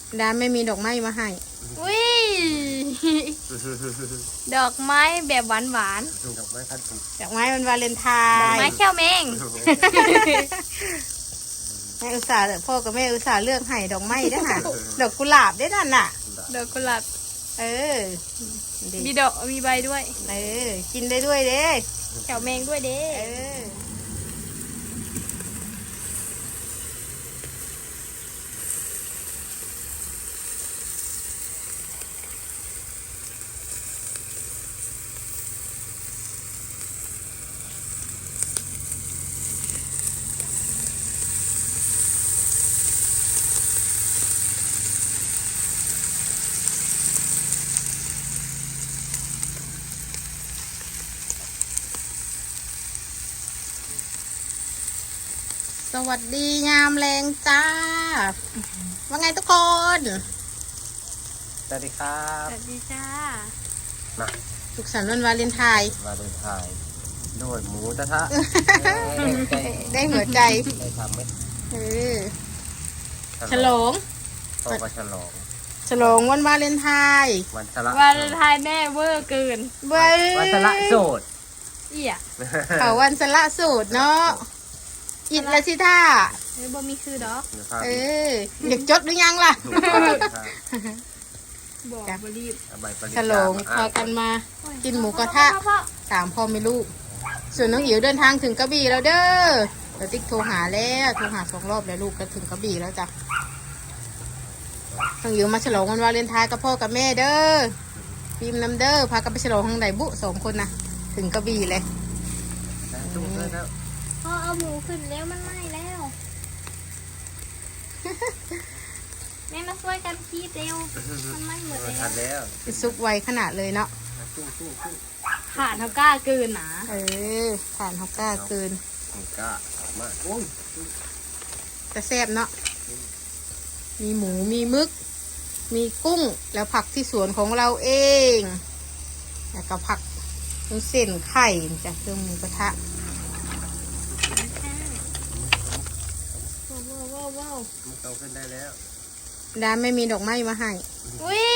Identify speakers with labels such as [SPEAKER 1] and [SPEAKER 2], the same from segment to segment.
[SPEAKER 1] ดาไม่มีดอกไม้มาให้
[SPEAKER 2] อุ้ยดอกไม้แบบหวาน
[SPEAKER 3] ดอกไม้พันธุ์
[SPEAKER 1] ดอกไม้วันวาเลนไทน์
[SPEAKER 2] ดอกไม้แก้วแมง
[SPEAKER 1] แม่อุตส่าห์พ่อกับแม่อุตส่าห์เลือกให้ดอกไม้ได้ค่ะดอกกุหลาบได้นั่นน่ะ
[SPEAKER 2] ดอกกุหลาบ
[SPEAKER 1] มี
[SPEAKER 2] ดอกมีใบด้วย
[SPEAKER 1] กินได้ด้วยเด้
[SPEAKER 2] แก้วแมงด้วยเด้
[SPEAKER 1] สวัสดียามแรงจ้าว่าไงทุกคน
[SPEAKER 3] สวัสดีครับ
[SPEAKER 2] สวัสดีจ้า
[SPEAKER 3] มา
[SPEAKER 1] สุขสันต์วันวาเลนไทน์
[SPEAKER 3] ด้วยหมูกระทะ
[SPEAKER 1] ได้หัวใจ
[SPEAKER 3] ได้ทำไหม
[SPEAKER 1] ฉลอง
[SPEAKER 3] ต่อไปฉ
[SPEAKER 1] ลองวันวาเลนไทน์
[SPEAKER 3] วันสละ
[SPEAKER 2] วาเลนไทน์แม่เวอร์เกิน
[SPEAKER 3] วันสละโสด
[SPEAKER 1] เขาวันสละโสดเนาะอิดละสิท่า
[SPEAKER 2] บ่มีคือดอก
[SPEAKER 1] อยากจดหรือยังล่ะ
[SPEAKER 2] บอกบรีบ
[SPEAKER 1] ฉลองพากันมากินหมูกระทะ3 พ่อไม่ลูกส่วนน้องอิ๋วเดินทางถึงกระบี่แล้วเด้อเดี๋ยวติ๊กโทรหา2 รอบแล้วลูกก็ถึงกระบี่แล้วจ้ะน้องอิ๋วมาฉลองวันวาเลนไทน์กับพ่อกับแม่เด้อพิมน้ำเด้อพากันไปฉลองทางไหนบุ2 คนนะถึงกระบี่เลย
[SPEAKER 2] พ่อเอาหมูขึ้นแล้วมันไหม้แล้วแม่มาช่วยกันคีบเร็วมันไหม้หมด
[SPEAKER 3] แล้ว
[SPEAKER 1] ซุกไวขนาดเลยเนาะ
[SPEAKER 2] ผ่านเขากล้าเกินหนา
[SPEAKER 1] ผ่านเขากล้าเกิน
[SPEAKER 3] กล้ามาก
[SPEAKER 1] จะแซ่บเนาะมีหมูมีมึกมีกุ้งแล้วผักที่สวนของเราเองแล้วก็ผักเส้นไข่จากเครื่องหมูกระทะ
[SPEAKER 2] ว้าว
[SPEAKER 3] มันโตขึ้นได้แล้ว
[SPEAKER 1] ดาไม่มีดอกไม้มาให้
[SPEAKER 2] อุ้ย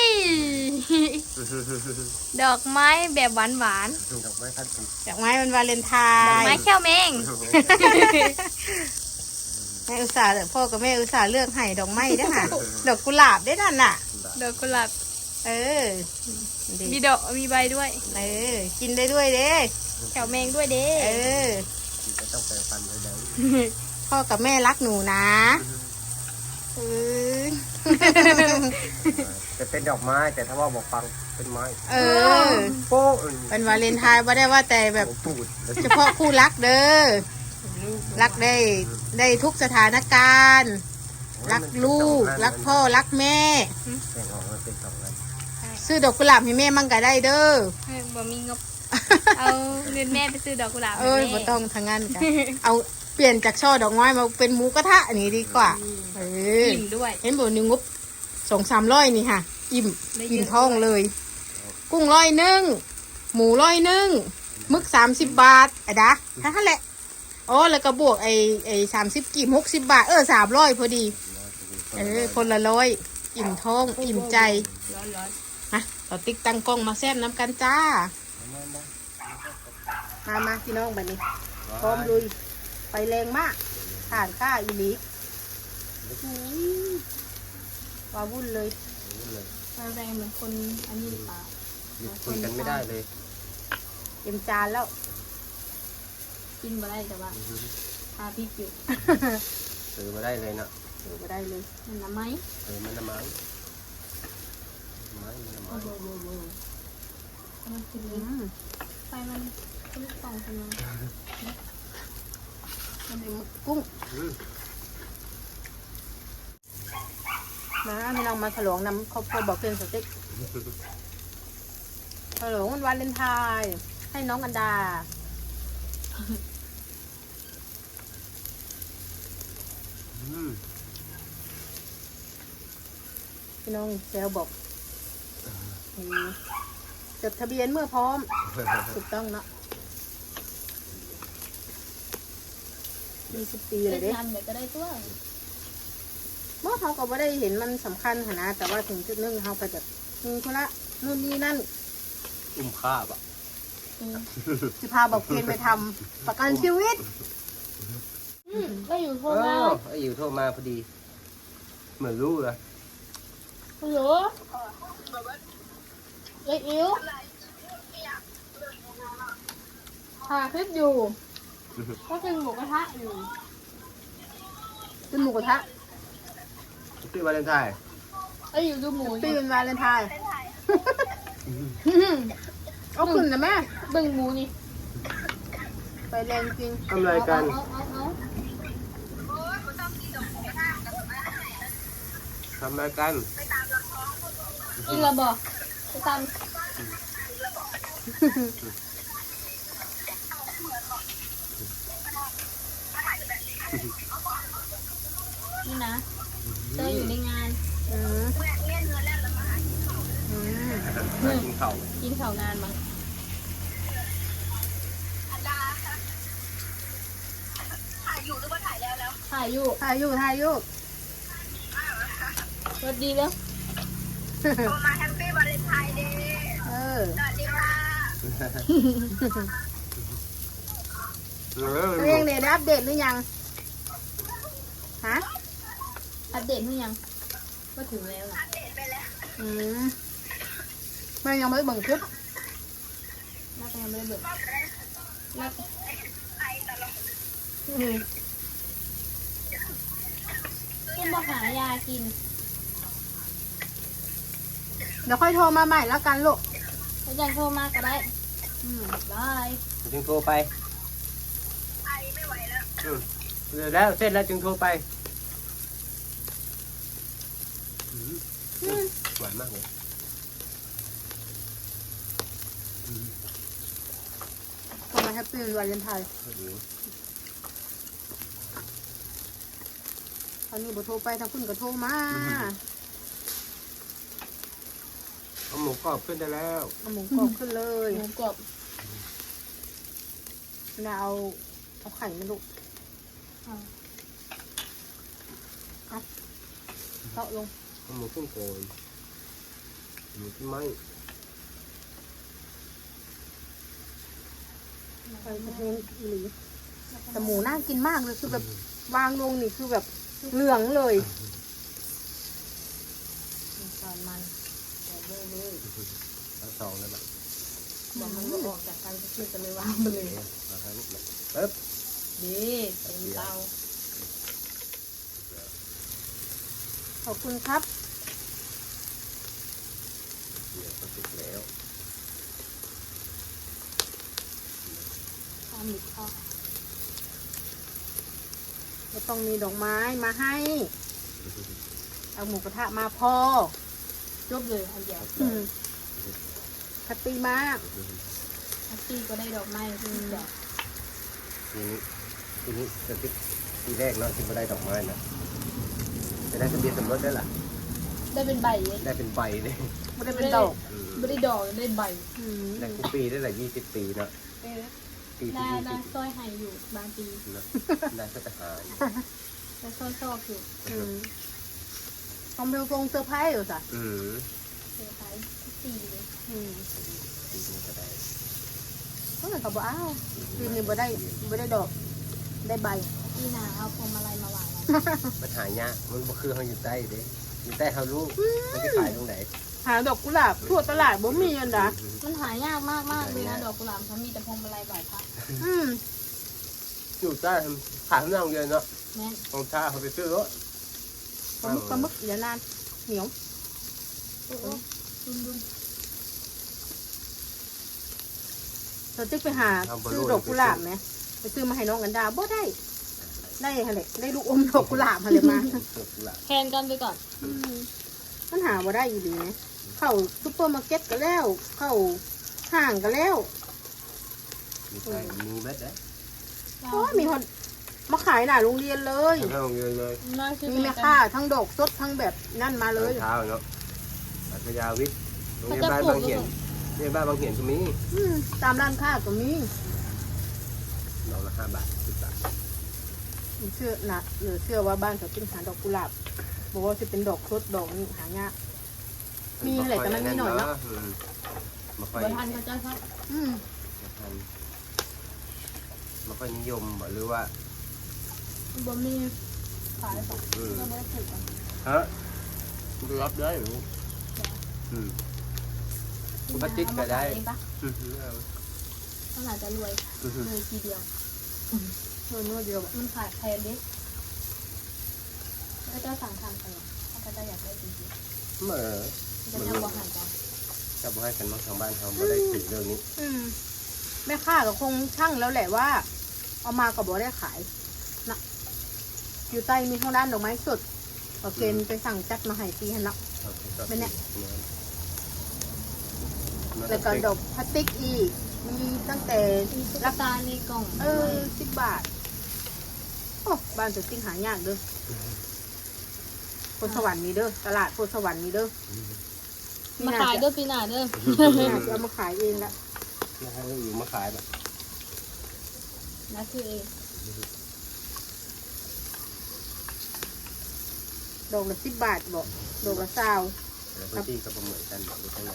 [SPEAKER 2] ดอกไม้แบบหวาน
[SPEAKER 3] ดอกไม้พันธุ์
[SPEAKER 1] ดอกไม้วันวาเลนไทน์
[SPEAKER 2] ดอกไม้แก้วแมง
[SPEAKER 1] แม่อุตส่าห์พ่อกับแม่อุตส่าห์เลือกให้ดอกไม้ได้ค่ะดอกกุหลาบได้นั่นน่ะ
[SPEAKER 2] ดอกกุหลาบ
[SPEAKER 1] มี
[SPEAKER 2] ดอกมีใบด้วย
[SPEAKER 1] กินได้ด้วยเด้
[SPEAKER 2] แก้วแมงด้วยเด้
[SPEAKER 3] จะต้องไปฟันเลยเด้อ
[SPEAKER 1] พ่อกับแม่รักหนูนะ
[SPEAKER 3] จะเป็นดอกไม้แต่ถ้าว่าบอกฟังเป็นไม้
[SPEAKER 1] โป๊ะเป็นวาเลนไทน์ว่าได้ว่าแต่แบบเฉพาะคู่รักเด้อรักได้ทุกสถานการณ์รักลูกรักพ่อรักแม่ซื้อดอกกุหลาบให้แม่มั่งก็ได้เด้อ
[SPEAKER 2] บ่มีงบเอาเงินแม่ไปซื้อดอกกุหลาบ
[SPEAKER 1] บ่ต้องทางงานกันเอาเปลี่ยนจากช่อดอกไม้มาเป็นหมูกระทะอันนี้ดีกว่า
[SPEAKER 2] อิ่มด้วย
[SPEAKER 1] เห็นบอกนิ้วงบ200-300นี่ค่ะอิ่มท้องเลยกุ้ง100หมู100มึก30 บาทดะนั่นแหละแล้วก็บวกไอ้30 กีบ60 บาท300พอดีคนละ100อิ่มท้องอิ่มใจฮะต่อติ๊กตั้งกล้องมาแซ่บน้ำกันจ้ามาพี่น้องแบบนี้พร้อมลุยไปแรงมากผ่านข้าอีลิว้าวุ่นเลย
[SPEAKER 2] แรงเหมือนคนอันนี้หรือเปล่า
[SPEAKER 3] คุยกันไม่ได้เลย
[SPEAKER 1] เต็มจานแล้ว
[SPEAKER 2] กินมาได้แต่ว่าทาพริกอยู่
[SPEAKER 3] ซื้อมาได้เลยเนาะ
[SPEAKER 1] ซื้อมาได้เลย
[SPEAKER 2] มันน้ำไหม
[SPEAKER 3] มันน้ำมัน
[SPEAKER 2] มันกินไฟมันลูกสองคน
[SPEAKER 1] มันเป็นกุ้งมาไม่ลองมาฉลองนำครอบครัวบอกเพื่อนสติ๊กฉลองวันวาเลนไทน์ให้น้องอันดาพี่น้องเซลบอกจดทะเบียนเมื่อพร้อมถูกต้องเนาะ20 ปีเลยเด้
[SPEAKER 2] ทำเดี๋ยวก็ได้ตัว
[SPEAKER 1] เมื่อเขาก็ไม่ได้เห็นมันสำคัญขนาดแต่ว่าถึงจุดหนึงเขาก็จะมีธุระนู่นนี่นั่น
[SPEAKER 3] อุ้มข้าบอ่ะ
[SPEAKER 1] สิพาบอกเกณฑ์ไปทำประกันชีวิต
[SPEAKER 2] ก็อยู่โทร
[SPEAKER 3] เอ
[SPEAKER 2] มา
[SPEAKER 3] อไอ้อยู่โทรมาพอดี เหมือนรู้เลย
[SPEAKER 2] ฮัลโหลเล็กอิ๋วถ่ายคลิปอยู่ ก็กินหมูกระทะอยู่
[SPEAKER 1] เป็นหมูกระทะ
[SPEAKER 3] ที่วาเลนไทน์
[SPEAKER 2] แล้วอยู่ดูหมูอ
[SPEAKER 1] ปี
[SPEAKER 2] ยู่
[SPEAKER 1] เป็นวาเลนไทน์เอาขึ้นนะแม่
[SPEAKER 2] เบิ่งหมูนี่
[SPEAKER 1] ไปแรงจริง
[SPEAKER 3] ทำอะไรกัน
[SPEAKER 2] เอา
[SPEAKER 3] ทำอะไรกัน
[SPEAKER 2] อีกระบอกไปตามนี่นะเจออยู่ในงาน
[SPEAKER 1] อืมอืม
[SPEAKER 3] กินข้าว
[SPEAKER 2] กินข้าวงานมั้งถ่ายอยู่
[SPEAKER 1] ถ่ายอยู่
[SPEAKER 2] สวัสดีแล้ว
[SPEAKER 4] มาแฮปปี้วาเลนไทน์เดย์
[SPEAKER 1] เออ
[SPEAKER 4] สวัสดีค่ะ
[SPEAKER 1] ตัวเองเนี่ยได้อัปเดตหรือยังฮะ
[SPEAKER 2] อัปเดตเพิ่งยังก็ถึงแล้วนะ
[SPEAKER 4] เดทไปแล้ว
[SPEAKER 1] อืมแม่ยังไม่ได้เบิ่งคลิป
[SPEAKER 2] น่าจะยังไม่ได้เบิกน่าจะ
[SPEAKER 4] ไอตลอด
[SPEAKER 2] คุณบอกหายากิน
[SPEAKER 1] เดี๋ยวค่อยโทรมาใหม่แล้วกันลูก
[SPEAKER 2] แล้วยังโทรมาก็ได้
[SPEAKER 1] อืม
[SPEAKER 2] บาย
[SPEAKER 3] จึงโทรไป
[SPEAKER 4] ไอไม่ไหวแล้ว
[SPEAKER 3] เดี๋ยวแล้วเสร็จแล้วจึงโทรไปหวานมากเลย
[SPEAKER 1] ก็มาแฮปปี้วาเลนไทน์ตอนนี้บ่โทรไปทางคุณก็โทรมา
[SPEAKER 3] เอาหมูกรอบขึ้นได้แล้ว
[SPEAKER 1] เอาหมูกรอบขึ้นเลย
[SPEAKER 2] หมูกรอบ
[SPEAKER 1] แล้วเอาไข่มาลูก
[SPEAKER 2] เอา
[SPEAKER 1] เตาะลง
[SPEAKER 3] เอาหมูขึ้นโกยหมูขึ้นไม้
[SPEAKER 1] ไปกระเทียมอีหลีแต่หมูน่ากินมากเลยคือแบบวางลงนี่คือแบบเหลืองเลยตอนมันแต่เรื่อย
[SPEAKER 3] ทั้งสองเลยแบบ
[SPEAKER 1] ๆบอกมันก็ออกจากกันก็คือจะเลยวางไปเลย
[SPEAKER 3] มาทางนี้ปึ๊บ
[SPEAKER 2] ดีเต็มเตา
[SPEAKER 1] ขอบคุณครับ
[SPEAKER 3] เดี๋ยวก็สุกแล้ว
[SPEAKER 2] ทำหมึกทอด
[SPEAKER 1] จะต้องมีดอกไม้มาให้ เอาหมูกระทะมาพอ
[SPEAKER 2] จบเลยอันเดียว
[SPEAKER 1] แฮปปี้มาก
[SPEAKER 2] แฮปปี้ก็ได้ดอกไม้ที่มีดอก
[SPEAKER 3] ทีนี้จะคิดทีแรกเนาะที่ไม่ได้ดอกไม้นะจะได้ทะเบียนสมรสได้ล่ะ
[SPEAKER 2] ได้เป็นใบเลย
[SPEAKER 3] ได้เป็นใบเลย
[SPEAKER 1] ไม่ได้เป็นดอก
[SPEAKER 2] ไม่ได้ดอกได้ใบ
[SPEAKER 3] ได้ทุกปีได้หลาย20 ปีเนาะปีที่
[SPEAKER 2] ได้
[SPEAKER 3] 20
[SPEAKER 2] สร้อยไห้อยู่บางปี
[SPEAKER 3] นะได้ก็จะหาย
[SPEAKER 2] ได้สร้อยซอกอยู่
[SPEAKER 1] ทำเป็นทรงเซอร์ไพรส์เหรอจ๊ะ
[SPEAKER 2] เซอร์ไพรส์ทุกปีเลย
[SPEAKER 3] ปีนี้ก็ได้
[SPEAKER 1] ก็เหมือนกับว่าอ้าวปีนี้บ่ได้ดอก ได้ใบ
[SPEAKER 2] พี่นาเอาพวงมาลัยมาวางไว้
[SPEAKER 3] มันหายากมันบ่คือเขาอยู่ใต้เด้อยู่ใต้เขาลูกมันจะขายตรงไหน
[SPEAKER 1] หาดอกกุหลาบทั่วตลาดบ่มีอันนะ
[SPEAKER 2] มันหายากมากเลยนะดอกกุหลาบเขามีแต่พวงมาลัยบ่ายพระ
[SPEAKER 3] อยู่ใต้ขายข้างนอกเยอะเนาะ
[SPEAKER 2] แม่น
[SPEAKER 3] ของชาเขาไปซื้อรถ
[SPEAKER 1] ปลาหมึกอย่านานเหนียว
[SPEAKER 2] โอ้ดุน
[SPEAKER 1] เราจะไปหาซื้อดอกกุหลาบไหมไปซื้อมาให้น้องกันดาบ่ได้อะไรได้ลูกอมดอกกุหลาบอะไรมา
[SPEAKER 2] แทนกันไปก่อน
[SPEAKER 1] มันหาบ่ได้อยู่ดีนะเข้าซุปเปอร์มาร์เก็ตก็แล้ว เข้าห้างก็แล้ว
[SPEAKER 3] มีใครมีเม็ดได้
[SPEAKER 1] โอ้ยมีคนมาขายหน้าโรงเรียนเลย
[SPEAKER 3] ข้างนอกเยอะเลย
[SPEAKER 2] น่าชื่อ
[SPEAKER 1] มีแม่ค้าทั้งดอกสดทั้งแบบนั่นมาเลย
[SPEAKER 3] เช้าเนาะอัธยาวิทย์โรงเรียนบ้านบางเหียนโรงเรียนบ้านบางเหียนก็มี
[SPEAKER 1] ตามร้านค้าก็มี
[SPEAKER 3] ดอกละ5 บาท10 บาท
[SPEAKER 1] เชื่อนะเหลือเชื่อว่าบ้านเขาเป็นหาดอกกุหลาบบอกว่าจะเป็นดอกครุฑดอกนี่หายาก มีอะไรแต่มันมีหน่อยเนาะ
[SPEAKER 3] ไม่ค่อย
[SPEAKER 2] บทันเขาเจ้าครับ
[SPEAKER 1] อืม
[SPEAKER 3] ไม่ค่อยนิยมหรือว่า
[SPEAKER 2] บ่มีขายป่ะก็ไม่ได้ถือกัน
[SPEAKER 3] ฮะรับได้หรือคุณพัชจิตก็ได้
[SPEAKER 2] เองปะต้องอาจจะรวยเลยทีเดียว
[SPEAKER 1] นวดเดียว
[SPEAKER 2] มันขายแพงดิแล้วเจ้าสั่งทำไปอ่ะถ้าเขาจะอยากได้จริง
[SPEAKER 3] เมื่อ
[SPEAKER 2] ๆจะยังบ่หันกัน
[SPEAKER 3] จะบอกให้กันน้องทางบ้านเขาไม่ได้ถือเรื่องนี้
[SPEAKER 1] แม่ค้าก็คงช่างแล้วแหละว่า เอามากับบ่ได้ขายนะอยู่ใต้มีทางด้านดอกไม้สดโอเคไปสั่งจัดมาให้ปีหันละ เป็นเนี่ย แล้วก็ดอกพลาสติกอีกมีตั้งแต่
[SPEAKER 2] มีตุ๊กตาในกล่อง
[SPEAKER 1] 10 บาทโอ้บ้านสุดจริงหายากเด้อโพธิ์สวรรค์มีเด้อตลาดโพธิ์สวรรค์มีเด้อ
[SPEAKER 2] มาขายด้วยปีหน้าเด้อ
[SPEAKER 1] น่าจะเอามาขายเองละ
[SPEAKER 3] แล้วให้อยู่มาขายแบบ
[SPEAKER 2] นะคือเอง
[SPEAKER 1] ดอกละ10 บาทบอกดอกละ20
[SPEAKER 3] แล้วพื้นที่ก็ประเมินกันดูทั้งไหน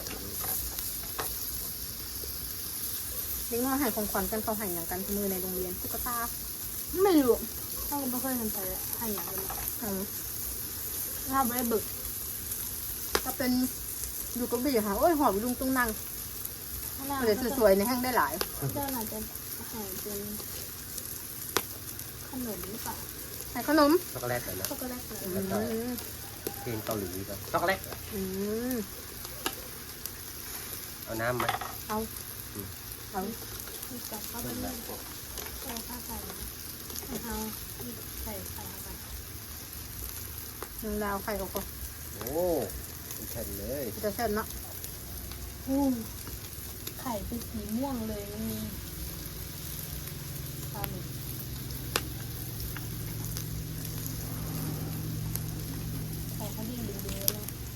[SPEAKER 1] เด็กน้อยให้ของขวัญกันเขาให้อย่างกันทุกมือในโรงเรียนตุ๊กตา
[SPEAKER 2] ไม่รู้ถ้าเราไม่เคยทำไปให้อย่างนี้ ถ้าไม่ได้บึก
[SPEAKER 1] ก็เป็นอยู่กับบี้ค่ะโอ้ยหอมลุงตุ้งนั่ง
[SPEAKER 2] ข้างหน้า
[SPEAKER 1] เดี๋ยวสวยๆในแห้งได้หลาย
[SPEAKER 2] เจ้าน่าจะหายเป็นขนมหรือเปล่า
[SPEAKER 1] ให้ขนม
[SPEAKER 3] ช็อกโกแลตนะ
[SPEAKER 2] ช็อกโกแลตเลย
[SPEAKER 3] เพลงเกาหลีก็ช็อกโกแลต
[SPEAKER 1] อืม
[SPEAKER 3] เอาน้ำไหม
[SPEAKER 1] เอาเอา
[SPEAKER 2] มีจับเข้าไปเรื่อยๆเอาข้าวใส่เอาใส่ไข่เข้าไป
[SPEAKER 1] หนึ่งดาวไข่ออกก็
[SPEAKER 3] โอ้เป็นแผ่นเลย
[SPEAKER 1] จะเช่นเนาะ
[SPEAKER 2] ไข่เป็นสีม่วงเลยมันมีปลาหมึกไข่เขาดีดีเลย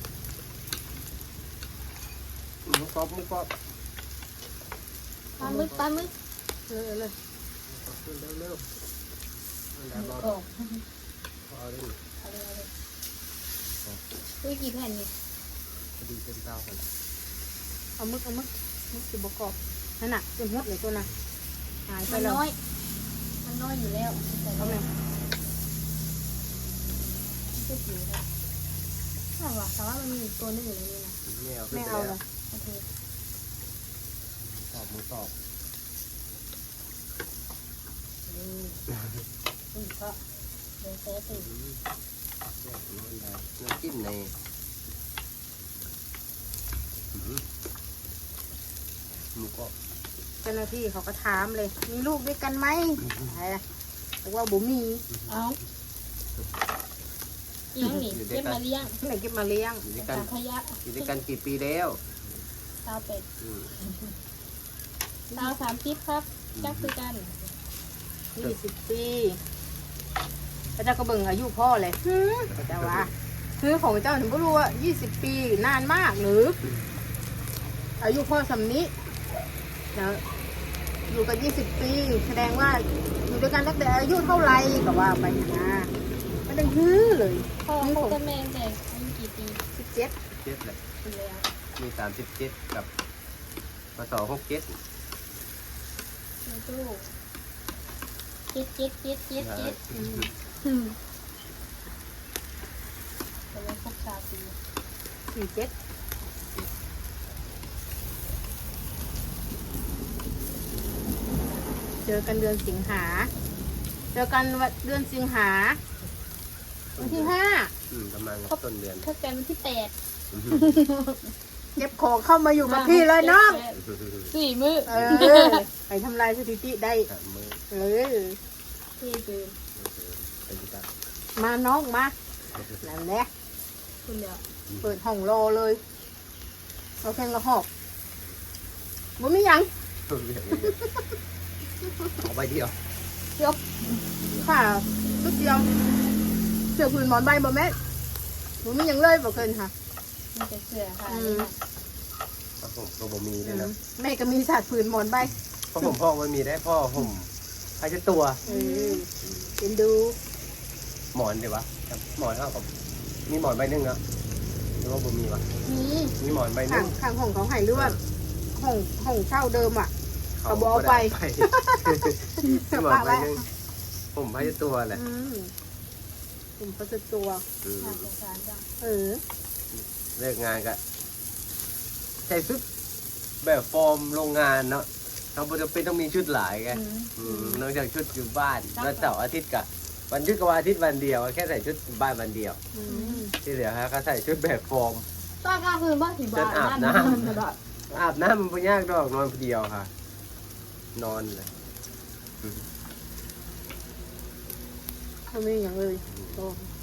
[SPEAKER 3] มุกกรอบมุกกรอบ
[SPEAKER 2] ปลาหมึกปลาหมึก
[SPEAKER 1] เลย
[SPEAKER 3] ขึ้นเร็วๆแล้ว
[SPEAKER 2] โอ้
[SPEAKER 3] เอาได้
[SPEAKER 2] เอาเลยเอาเลยอุ้ยกี่แผ่นนี่
[SPEAKER 3] พอดีเป็นเต้ากัน
[SPEAKER 1] เอามึกสิบประกอบนั่นน่ะเป็นหัวเลยตัวน่ะหายไป
[SPEAKER 2] มัน
[SPEAKER 1] แล้ว
[SPEAKER 2] น้อย มันน้อยอยู่แล้วแต่
[SPEAKER 1] เอา
[SPEAKER 2] ก็
[SPEAKER 1] ไหม
[SPEAKER 2] ไม่ผิวเลยถ้าว่าแต่ว่ามันมีอีกตัวนึงอยู่ในนี้นะ
[SPEAKER 3] ไม่เอา
[SPEAKER 1] ไม่เอาเลย
[SPEAKER 2] โอเค
[SPEAKER 3] ตอบมือตอบ
[SPEAKER 2] อุ้ยก็เดี๋ยวเซฟติ
[SPEAKER 3] น้ำจิ้มในหมูกรอบ
[SPEAKER 1] เจ้าหน้าที่เขาก็ถามเลย มีลูกด้วยกันไหมบอกว่าบ่มี
[SPEAKER 2] เอาอีกนี่เก็บมาเลี้ยง
[SPEAKER 1] ที่ไหนเก็บมาเลี้ยง
[SPEAKER 3] อยู่ด้วยกัน
[SPEAKER 2] ขยะ
[SPEAKER 3] อยู่ด้วยกันกี่ปีแล้ว
[SPEAKER 2] ตาเป็ดตา30ครับจักคือกัน
[SPEAKER 1] 20 ปีพระเจ้าก็เบิ่งอายุพ่อเลยแต่ว่าคือของเจ้าถึงก็รู้ว่า20 ปีนานมากหรือ อายุพ่อสำนี้แล้วอยู่กัน20 ปีแสดงว่าอยู่ด้วยกันตั้งแต่อายุเท่าไหร่ก็ว่าไปนะไม่ได้ฮือเลย
[SPEAKER 2] พ่อเขาก็แม่แต่อายุกี่ปี
[SPEAKER 1] 17
[SPEAKER 3] เจ็ดเลย
[SPEAKER 2] ปีแล้ว
[SPEAKER 3] มี37กับพศ67
[SPEAKER 2] ในตู้เจ็ดแต่ว่าครบ3 ปี
[SPEAKER 1] 47เจอกันเดือนสิงหาเจอกันเดือนสิงหาวันที่
[SPEAKER 3] ประมาณต้นเดือน
[SPEAKER 2] ถ้าเป็นวันที่8
[SPEAKER 1] 5เก็บของเข้ามาอยู่กับพี่เลยน้อง
[SPEAKER 2] 4 มื้อ
[SPEAKER 1] ไปทำลายสถิติได้
[SPEAKER 3] 3 มื้อ
[SPEAKER 2] ที่คือ
[SPEAKER 3] เป็นที่ตั้ง
[SPEAKER 1] มาน้องมานั่นแหละ
[SPEAKER 2] คุณเดียว
[SPEAKER 1] เปิดห้องรอเลยเราแข่งกระหอบมันไม่ยัง
[SPEAKER 3] เอาไปเที่ยว
[SPEAKER 1] เดียวค่ะลูกเดียวเสือผืนหมอนใบบ่แม่มันไม่ยังเลยบ่เกินค่ะ
[SPEAKER 2] มันจะเสือค่ะ
[SPEAKER 3] ผมก็บ่มีเลยนะ
[SPEAKER 1] แม่ก็มีศาสตร์ผืนหมอนใบ
[SPEAKER 3] เพราะผมพ่อไม่มีได้พ่อผมใครจะตัว
[SPEAKER 1] เป็นดู
[SPEAKER 3] หมอนดีวะหมอนเท่ากับมีหมอนใบหนึงเนาะหรือว่าบ่มีวะ
[SPEAKER 1] นี่
[SPEAKER 3] มีหมอนใบหนึ
[SPEAKER 1] ข้าง
[SPEAKER 3] ง
[SPEAKER 1] ข้างห้องเขาให้เลือดห้องเช่าเดิมอ่ะ เขาบ่เอาไป
[SPEAKER 3] มีหมอนใบหนึงผมให้ตัวแหละ
[SPEAKER 1] ผมก็จะตัว
[SPEAKER 3] อืม
[SPEAKER 2] น่าสงสารจัง
[SPEAKER 3] เลิกงานก็ใส่ชุดแบบฟอร์มโรงงานเนาะเราบ่จำเป็นต้องมีชุดหลายไงนอกจากชุดอยู่บ้านแล้วเสาร์อาทิตย์กับวันหยุดกับวันอาทิตย์วันเดียวแค่ใส่ชุดบ้านวันเดียว ที่เหลือฮะก็ใส่ชุดแบบฟอร์ม
[SPEAKER 2] ตอนกลางคืนบ้านที่บ้าน
[SPEAKER 3] อาบน้ำ
[SPEAKER 2] นั่นแบบ
[SPEAKER 3] อาบน้ำมันไม่ยากดอกนอนคนเดียวค่ะ นอนเลย
[SPEAKER 1] เขาไม่มีอย่างเลยโต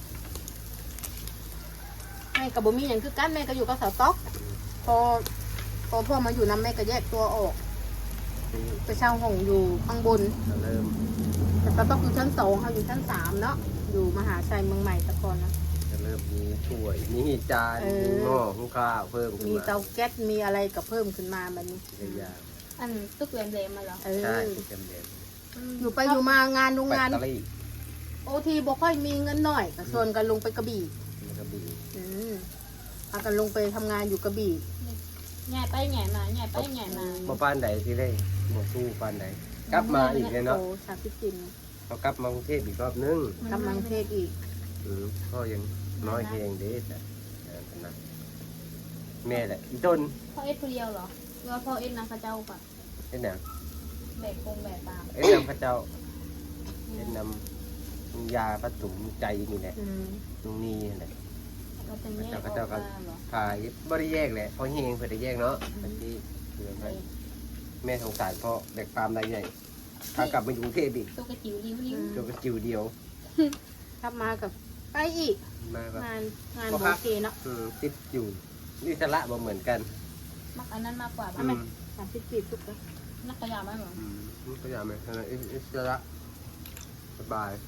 [SPEAKER 1] แม่กับบ่มีอย่างคือกันแม่ก็อยู่กับสาวต๊อกพอพ่อมาอยู่น้ำแม่ก็แยกตัวออก ไปเช่าห้องอยู่ข้างบน
[SPEAKER 3] จะเริ่ม
[SPEAKER 1] แต่สาวต๊อกอยู่ชั้น2เขาอยู่ชั้น3เนาะอยู่มหาชัยเมืองใหม่ตะกอนนะ
[SPEAKER 3] จะเริ่มมีถ้วยมีจาน
[SPEAKER 1] เออ
[SPEAKER 3] มีหม้อหุงข้าวเพิ่มขึ้น
[SPEAKER 1] มี
[SPEAKER 3] มา
[SPEAKER 1] เตาแก๊สมีอะไรก็เพิ่มขึ้นมาแบบนี้
[SPEAKER 3] หลายอย่าง
[SPEAKER 2] อันตึกแหลมๆมาเหรอ
[SPEAKER 3] ใช่เต็มเด็ด
[SPEAKER 1] อยู่ไปอยู่มางานโรง
[SPEAKER 3] แบต
[SPEAKER 1] งาน
[SPEAKER 3] เตอรี่
[SPEAKER 1] โอทีบ่ค่อยมีเงินหน่อยก็ชวนกันลงไปกระบี่
[SPEAKER 3] มันก็บี
[SPEAKER 1] พากันลงไปทำงานอยู่กระบี่
[SPEAKER 2] ใหญ่ไปใหญ่มาใหญ่ไปใหญ่มา
[SPEAKER 3] บ่ปานใดที่ได้บ่สู้ปานใดกลับมาอีกเลยเนาะ
[SPEAKER 1] โอ้ชาติจิน
[SPEAKER 3] เขากลับมากรุงเทพอีกรอบนึง
[SPEAKER 1] กำลังเทศอีก
[SPEAKER 3] พ่อยังน้อยเพลงเด้แต่นะแม่แหละอีต้น
[SPEAKER 2] พ่อเอ็ดคนเดียวเหรอหรือว่าพ่อเอ็ดนางข้าเจ้าป่ะ
[SPEAKER 3] เอ็ดหนัง
[SPEAKER 2] แบกคงแบกตาม
[SPEAKER 3] เอ็ดนำพระเจ้าเอ็ดนำยาประตุมใจนี่แหละตรงนี้แหละ
[SPEAKER 2] ก็จะแยกออกมาเหรอ
[SPEAKER 3] ขายบ่ได้แยกแหละเพราะเฮงเพื่อได้แยกเนาะบางทีเพื่อให้แม่สงสารพ่อแบกปาล์มได้ใหญ่พากลับมาอยู่กรุงเทพอีก
[SPEAKER 2] ตัวกระจิ๋วริ้วริ้ว
[SPEAKER 3] ตัวก็จิ๋วเดียว
[SPEAKER 1] กลับมากับไปอีก
[SPEAKER 3] มาแบบ
[SPEAKER 1] งานโอเคเนาะ
[SPEAKER 3] ติดอยู่นี่สระบ่เหมือนกัน
[SPEAKER 2] มักอันนั้นมากกว่า
[SPEAKER 3] อื
[SPEAKER 2] ป่ะแม่
[SPEAKER 3] ม
[SPEAKER 1] 30 ทุกคน
[SPEAKER 2] นักขยะไหมเหรอ
[SPEAKER 3] ก็อย่างไรอิสระสบาย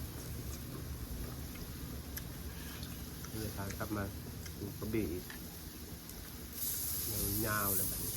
[SPEAKER 3] นี่ทางกลับมาอยู่กระบี่อีกยาวๆเลยแบบนี้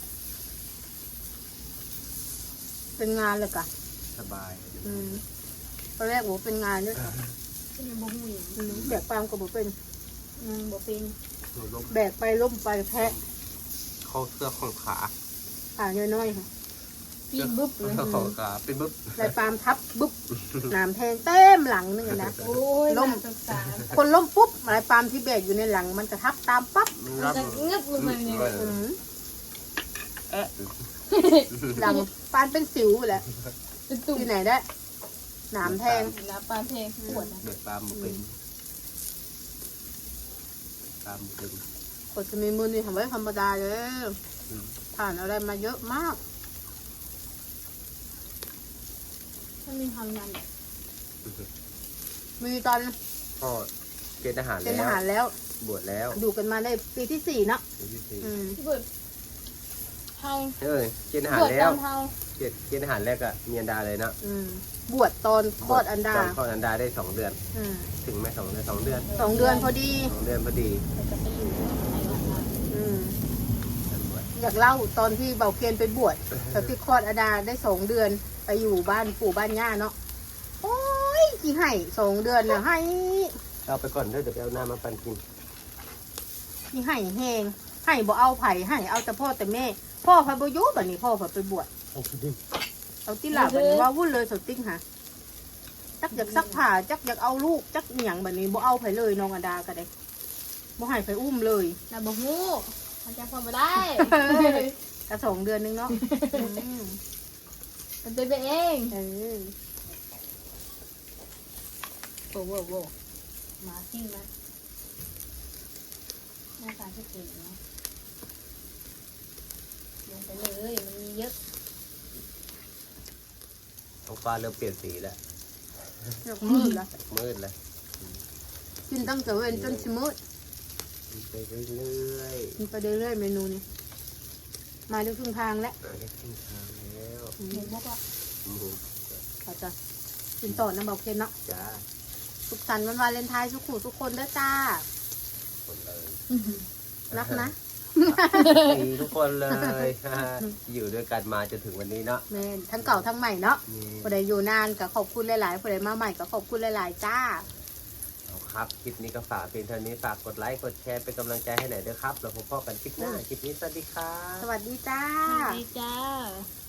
[SPEAKER 1] เป็นงานเลยกะ
[SPEAKER 3] สบาย
[SPEAKER 1] ตอนแรกบอกเป็นงานด้วย
[SPEAKER 2] เป็นยังบ่หูอย่าง
[SPEAKER 1] แบกปาล์มก็บอกเป็น
[SPEAKER 2] บ่เป็น
[SPEAKER 3] หนูล้ม
[SPEAKER 1] แบกไปล้มไปแพะ
[SPEAKER 3] เข้าเสื้อของขา
[SPEAKER 1] ขาน้อยๆค่ะ
[SPEAKER 2] ปีนบึ๊บเลย
[SPEAKER 3] เสื้อของขาเป็นบึ๊บ
[SPEAKER 1] ลายปาล์มทับบึ๊บน้ำแทงเต็มหลังนึงอะนะ
[SPEAKER 2] โอ้ย
[SPEAKER 1] ล้ม
[SPEAKER 2] น่าสงสาร
[SPEAKER 1] คนล้มปุ๊บลายปาล์มที่แบกอยู่ในหลังมันจะทับตามปั๊บ
[SPEAKER 3] มัน
[SPEAKER 2] มัน
[SPEAKER 3] รับ
[SPEAKER 2] จะเงือบลงมาเนี่ย
[SPEAKER 1] หลังปานเป็นสิวไปแหล้ว
[SPEAKER 2] เป็นตุ่ม
[SPEAKER 1] ที่ไหนได้หนามแทง
[SPEAKER 2] นะปลาเพลงปวดนะ
[SPEAKER 3] เด็กปลาหมูเป็นปลาหมูเป็น
[SPEAKER 1] กดจะมีมือนี่ทำไว้ธรรมดาเลยผ่านอะไรมาเยอะมาก
[SPEAKER 2] มันมีความยัน
[SPEAKER 1] มีตอน
[SPEAKER 3] พ่อเกณฑ์ทหาร
[SPEAKER 1] เป็นท
[SPEAKER 3] แล้ว
[SPEAKER 1] หารแล้ว
[SPEAKER 3] บวชแล้ว
[SPEAKER 1] อยู่กันมาได้ปีที่ 4เนาะ
[SPEAKER 3] ปีที่สี่
[SPEAKER 2] เบิดเฮา
[SPEAKER 3] เกณฑ์ทหาร
[SPEAKER 2] เบิด
[SPEAKER 3] แล้
[SPEAKER 2] ต
[SPEAKER 3] ว
[SPEAKER 2] อนเฮา
[SPEAKER 3] เกณฑ์ทหารแรกอะเมียนดาเลยเนาะ
[SPEAKER 1] บวชตอนคลอดอันดา
[SPEAKER 3] ตอนคลอดอันดาได้2 เดือน ถึงไหม2 เดือน2 เดือน
[SPEAKER 1] 2 เดือนพอดี
[SPEAKER 3] 2 เดือนพอดี
[SPEAKER 2] เราจะไปอยู่ในงาน
[SPEAKER 3] บวช
[SPEAKER 1] อยากเล่าตอนที่เบาเคนไปบวชตอนที่คลอดอันดาได้2 เดือน ไปอยู่บ้านปู่บ้านย่าเนาะโอ้ยกี่ให้2 เดือนน่ะให้
[SPEAKER 3] เอาไปก่อนเด้อเดี๋ยวไปเอาน้ำมาปั่นกิน
[SPEAKER 1] ที่ให้แห้งให้บ่เอาไผ่ให้เอาแต่พ่อแต่แม่ พ่อพาบ่อยู่บัดนี้พ่อพาไปบวช
[SPEAKER 3] เอาไปดิ
[SPEAKER 1] เอาที่หลับบัดนี้ว่าวุ่นเลยสติ๊กค่ะจักอยากซักผ้าจักอยากเอาลูกจักเหนียงบัดนี้บ่เอาไผ่เลยน้องอดาก็ได้บ่ให้ไผ่อุ้มเลย
[SPEAKER 2] นะบ่ฮู้มันจะพอมาได้
[SPEAKER 1] กระ2 เดือนนึงเนาะ
[SPEAKER 2] มันเป็นไปเอง โว้โว้โว้มาซิ่งมาหน้าตาที่เก่งนะลงไปเลยมันมีเยอะ
[SPEAKER 3] ท้องฟ้าเริ่มเปลี่ยนสีแล้ว
[SPEAKER 1] อยากมืดละ
[SPEAKER 3] มืดแล้ว
[SPEAKER 1] กินตั้งแต่เว้นจนสิมืด
[SPEAKER 3] ไปเรื่อย
[SPEAKER 1] กินไปเรื่อยๆเมนูนี้มาได้ครึ่งทางแล้ว
[SPEAKER 3] ๆได้ครึ่งทางแล้ว
[SPEAKER 2] เห็นบอกว่า
[SPEAKER 1] เขาจะกินต่อน้ำเบาเคนเนาะ
[SPEAKER 3] จ้า
[SPEAKER 1] สุขสันต์วันวาเลนไทน์ทุกคนเด้อจ้า
[SPEAKER 3] คนเลย
[SPEAKER 1] รักนะ
[SPEAKER 3] ดีทุกคนเลย อยู่ด้วยกันมาจนถึงวันนี้เนาะ
[SPEAKER 1] แม่นทั้งเก่าทั้งใหม่เนาะ
[SPEAKER 3] นี่
[SPEAKER 1] ผู้ใดอยู่นานก็ขอบคุณหลายๆผู้ใดมาใหม่ก็ขอบคุณหลายๆจ้า
[SPEAKER 3] เอาขครับคลิปนี้ก็ฝากเพียงเท่านี้ฝากกดไลค์กดแชร์เป็นกำลังใจให้หน่อยด้วยครับแล้วพบกันคลิปหน้าคลิปนี้สวัสดีครับ
[SPEAKER 1] สวัสดีจ้า
[SPEAKER 2] ดีจ้า